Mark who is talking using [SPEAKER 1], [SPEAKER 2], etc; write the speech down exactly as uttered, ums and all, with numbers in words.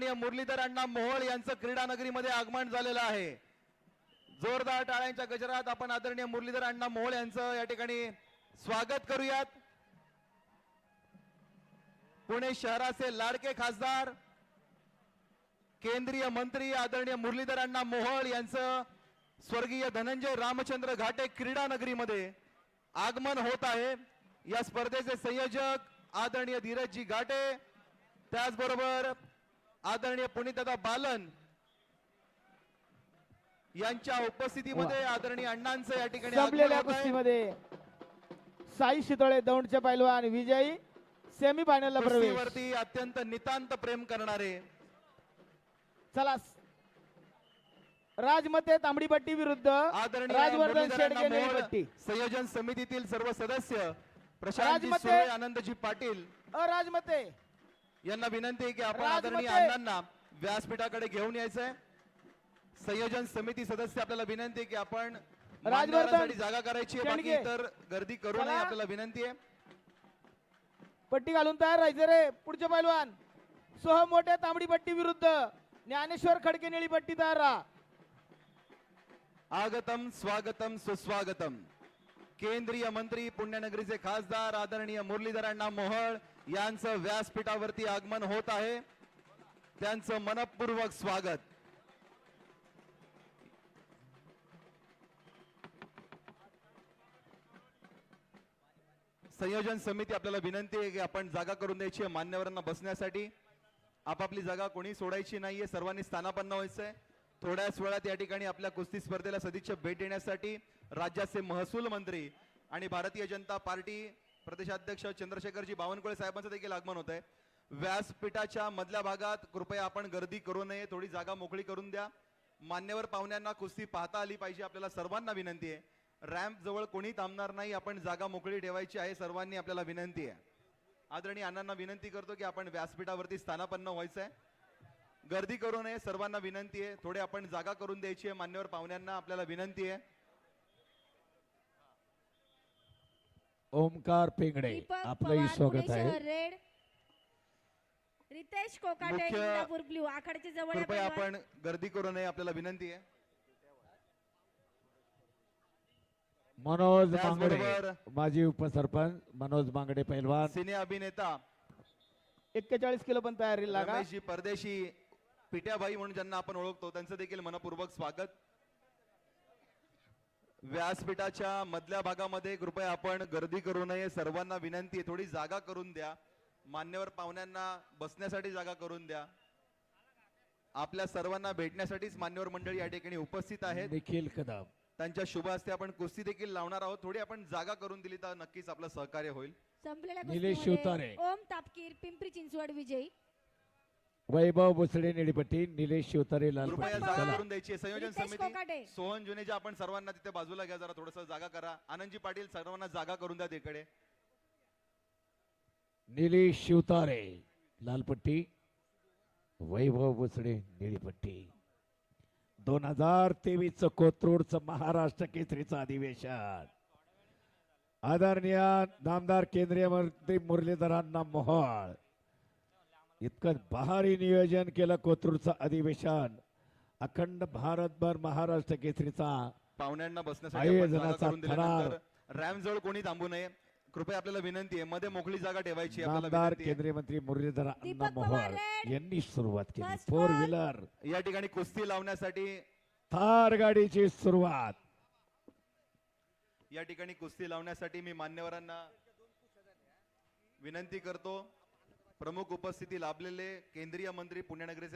[SPEAKER 1] आदरणीय मुरलीधर अण्णा मोहोळ यांचं क्रीडा नगरीमध्ये आगमन झालेलं आहे। जोरदार टाळ्यांच्या गजरात आपण आदरणीय मुरलीधर अण्णा मोहोळ यांचं या ठिकाणी स्वागत करूयात। पुणे शहराचे लाडके खासदार केंद्रीय मंत्री आदरणीय मुरलीधर अण्णा मोहोळ यांचं स्वर्गीय धनंजय रामचंद्र घाटे क्रीडा नगरीमध्ये आगमन होत आहे। या स्पर्धेचे संयोजक आदरणीय धीरजजी घाटे, त्याचबरोबर आदरणीय पुनीतदादा बालन यांच्या उपस्थितीमध्ये आदरणीय अण्णांचं या ठिकाणी
[SPEAKER 2] संपलेल्या कुस्तीमध्ये साई शितोळे दौंडचे पैलवान विजयी सेमी फायनलला प्रवेश।
[SPEAKER 1] कुस्तीवरती अत्यंत नितांत प्रेम करणारे
[SPEAKER 2] चला राजमते तांबडीपट्टी विरुद्ध
[SPEAKER 1] आदरणीय
[SPEAKER 2] राजवर्धन
[SPEAKER 1] मुरलीधर अण्णा
[SPEAKER 2] शेडगे
[SPEAKER 1] मोहोळ
[SPEAKER 2] निळीपट्टी।
[SPEAKER 1] संयोजन समितीतील सर्व सदस्य प्रशांतजी
[SPEAKER 2] राजमते
[SPEAKER 1] सुळे, आनंदजी पाटील
[SPEAKER 2] राजमते
[SPEAKER 1] यांना विनंती आहे की आपण
[SPEAKER 2] राजमते
[SPEAKER 1] आदरणीय अण्णांना व्यासपीठाकडे घेऊन यायचंय। संयोजन समिती सदस्य आपल्याला विनंती आहे की आपण मान्यवरांसाठी जागा करायची आहे, बाकी तर गर्दी करू नये आपल्याला विनंती आहे।
[SPEAKER 2] पट्टी घालून तयार राहायचं रे। पुढचे पैलवान सोहम मोठे तांबडीपट्टी विरुद्ध ज्ञानेश्वर खडके निळीपट्टी तयार राहा।
[SPEAKER 1] आगतम स्वागतम सुस्वागतम। केंद्रीय मंत्री पुण्यनगरीचे खासदार आदरणीय मुरलीधर अण्णा मोहोळ यांचं व्यासपीठावरती आगमन होत आहे, त्यांचं मनपूर्वक स्वागत। संयोजन समिती आपल्याला विनंती आहे की आपण जागा करून द्यायची आहे मान्यवरांना बसण्यासाठी। आपापली जागा कोणी सोडायची नाहीये, सर्वांनी स्थानापन्न व्हायचंय। थोड्याच वेळात या ठिकाणी आपल्या कुस्ती स्पर्धेला सदिच्छा भेट देण्यासाठी राज्याचे महसूल मंत्री आणि भारतीय जनता पार्टी प्रदेशाध्यक्ष चंद्रशेखरजी बावनकुळे साहेबांचं देखील आगमन होत आहे। व्यासपीठाच्या मधल्या भागात कृपया आपण गर्दी करू नये, थोडी जागा मोकळी करून द्या। मान्यवर पाहुण्यांना कुस्ती पाहता आली पाहिजे, आपल्याला सर्वांना विनंती आहे। रॅम्प जवळ कोणी थांबणार नाही, आपण जागा मोकळी ठेवायची आहे, सर्वांनी आपल्याला विनंती आहे। आदरणीय अण्णांना विनंती करतो की आपण व्यासपीठावरती स्थानापन्न व्हायचंय, गर्दी करू नये, सर्वांना विनंती आहे। थोडे आपण जागा करून द्यायची आहे मान्यवर पाहुण्यांना, आपल्याला विनंती आहे।
[SPEAKER 3] ओमकार पेंगडे आपलंही स्वागत आहे।
[SPEAKER 4] रितेश कोकाटे
[SPEAKER 1] मुख्य
[SPEAKER 4] इंदापूर ब्लू आखाड्याच्या जवळ आहे
[SPEAKER 1] कृपया
[SPEAKER 4] पैलवान।
[SPEAKER 1] आपण गर्दी करू नये, आपल्याला विनंती आहे।
[SPEAKER 3] मनोज
[SPEAKER 1] त्याचबरोबर
[SPEAKER 3] मांगडे माजी उपसरपंच मनोज मांगडे पैलवान,
[SPEAKER 1] सिने अभिनेता
[SPEAKER 2] एक्केचाळीस किलो पण तयारी लागा।
[SPEAKER 1] रमेशजी परदेशी पिट्याबाई म्हणून ज्यांना आपण ओळखतो त्यांचं देखील मनपूर्वक स्वागत। व्यासपीठाच्या मधल्या भागामध्ये कृपया आपण गर्दी करू नये, सर्वांना विनंती आहे, थोडी जागा करून द्या। मान्यवर पाहुण्यांना बसण्यासाठी जागा करून द्या। आपल्या सर्वांना भेटण्यासाठीच मान्यवर मंडळी या ठिकाणी उपस्थित आहेत।
[SPEAKER 3] निखिल कदम
[SPEAKER 1] त्यांच्या शुभ हस्ते आपण कुस्ती देखील लावणार आहोत, थोडी आपण जागा करून दिली तर नक्कीच आपलं सहकार्य होईल।
[SPEAKER 4] संपलेल्या
[SPEAKER 3] निलेश
[SPEAKER 4] कुस्तीमध्ये
[SPEAKER 3] शिवतारे,
[SPEAKER 4] ओम तापकीर पिंपरी चिंचवड विजयी।
[SPEAKER 3] वैभव भोसले निळीपट्टी, निलेश शिवतारे
[SPEAKER 1] कृपया
[SPEAKER 3] लालपट्टी।
[SPEAKER 1] जागा
[SPEAKER 3] चला
[SPEAKER 1] करून द्यायची आहे। संयोजन
[SPEAKER 4] रितेश
[SPEAKER 1] समिती
[SPEAKER 4] कोकाटे।
[SPEAKER 1] सोहन जुनेजा आपण सर्वांना तिथे बाजूला घ्या, जरा थोडस जागा करा। आनंदजी पाटील सर्वांना जागा करून द्या तिकडे।
[SPEAKER 3] निलेश शिवतारे लालपट्टी, वैभव भोसले निळीपट्टी। दोन हजार तेवीस कोथरूडचं महाराष्ट्र केसरीचं अधिवेशन आदरणीय नामदार केंद्रीय मंत्री मुरलीधरांना मोहोळ इतकं भारी नियोजन केलं। कोथरूडचं अधिवेशन अखंड भारतभर महाराष्ट्र केसरीचा
[SPEAKER 1] पाहुण्यांना बसण्यासाठी आपण जागा
[SPEAKER 3] आयोजनाचा
[SPEAKER 1] करून
[SPEAKER 3] थरार
[SPEAKER 1] दिल्यानंतर रॅम्प जवळ कोणी थांबू नये, कृपया आपल्याला विनंती आहे। मध्ये मोकळी जागा ठेवायची आहे, आपल्याला
[SPEAKER 3] नामदार
[SPEAKER 1] विनंती आहे।
[SPEAKER 3] केंद्रीय मंत्री मुरलीधर अण्णा
[SPEAKER 4] दीपक
[SPEAKER 3] मोहोळ
[SPEAKER 4] पवार रेड,
[SPEAKER 3] यांनी सुरुवात केली।
[SPEAKER 4] First
[SPEAKER 3] four
[SPEAKER 4] ball.
[SPEAKER 3] व्हीलर
[SPEAKER 1] या ठिकाणी कुस्ती लावण्यासाठी
[SPEAKER 3] थार गाडीची सुरुवात।
[SPEAKER 1] या ठिकाणी कुस्ती लावण्यासाठी मी मान्यवरांना विनंती करतो। प्रमुख उपस्थिती लाभलेले केंद्रीय मंत्री पुण्यनगरीचे